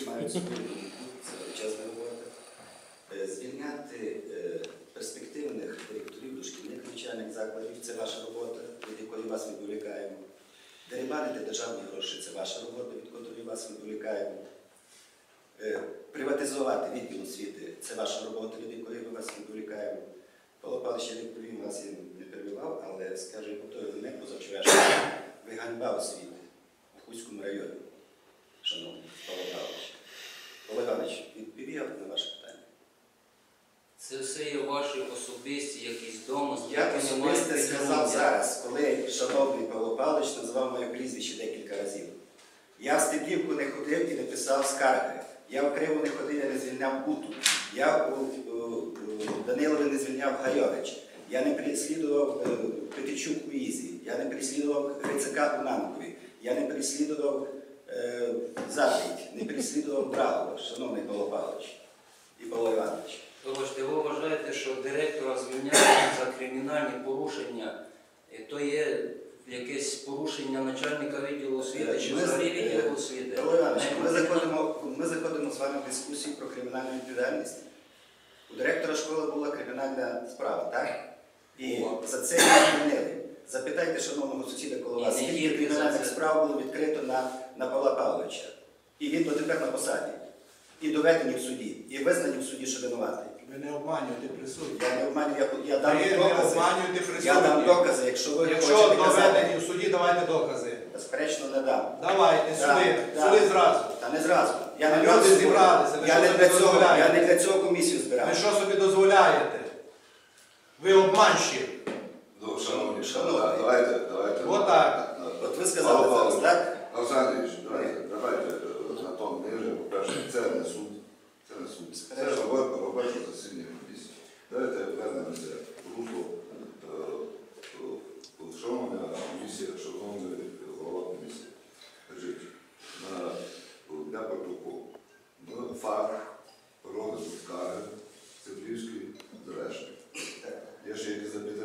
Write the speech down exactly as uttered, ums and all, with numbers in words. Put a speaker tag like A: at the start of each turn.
A: мають свою думку, це величезна робота. Звільняти перспективних директорів дошкільних навчальних закладів – це ваша робота, від якої вас відволікаємо. Дерибанити державні гроші – це ваша робота, від якої вас відволікаємо. Приватизувати відділ освіти – це ваша робота, від якої ми вас відволікаємо. Павло Павлович, я відповім, вас я не перебивав, але скажу, як повторюю, не позавчорашнього, ви ганьба освіти в Хуцькому районі, шановний Павло Павлович. Павло Іванович, відповів на ваше питання.
B: Це все є ваші особисті якісь домисли.
A: Я особисто сказав зараз, коли шановний Павло Павлович назвав моє прізвище декілька разів. Я в Стеблівку не ходив і не писав скарги. Я в Криву не ходив і не звільняв Буту. Я у Данилові не звільняв Гайович. Я не переслідував Петичук у Ізі. Я не переслідував Грицака у Нанкові. Я не переслідував е, Заповідь, не переслідував Брагова, шановний Павло Павлович і Павло Іванович.
B: Вибачте, ви вважаєте, що директора звільняють за кримінальні порушення, то є якесь порушення начальника відділу освіти чи взагалі відділу освіти?
A: Павло Іванович, ми заходимо, ми заходимо з вами в дискусію про кримінальну відповідальність. У директора школи була кримінальна справа, так? І за це його звільнили. Запитайте шановного сусіда коло вас, скільки кримінальних справ було відкрито на, на Павла Павловича. І він дотепер на посаді. І доведені в суді, і визнані в суді, що винуватий.
C: Ви не обманюєте присутні.
A: Я не обманюю, я, я дам
C: Ви
A: докази.
C: не обманюєте присутні.
A: Я дам докази, якщо ви
C: Якщо
A: хочете
C: доведені
A: казати.
C: в суді, давайте докази.
A: Безперечно, не дам.
C: Давайте,
A: Да,
C: сюди,
A: да.
C: сюди зразу.
A: Та не зразу. Я не
C: Люди
A: зразу
C: зібралися, ви
A: я
C: що
A: не
C: собі
A: для цього,
C: дозволяєте?
A: я не для цього комісію збирав.
C: Ви що собі дозволяєте? Ви обманщик.
D: Ну, шановні,
A: Шановні.
D: давайте, давайте.
C: Отак.
A: От ви сказали зараз, так?
D: Олександрович, давайте, давайте на тому ниже, по-перше, це не суд. Це не суд. Це робота, робоче засідання комісії. Давайте вернемося в русло шановна комісія, шановний голова комісії. Скажіть, для протоколу, факт розгляду скарги Стеблівської зрешти. Є ще якісь запитання?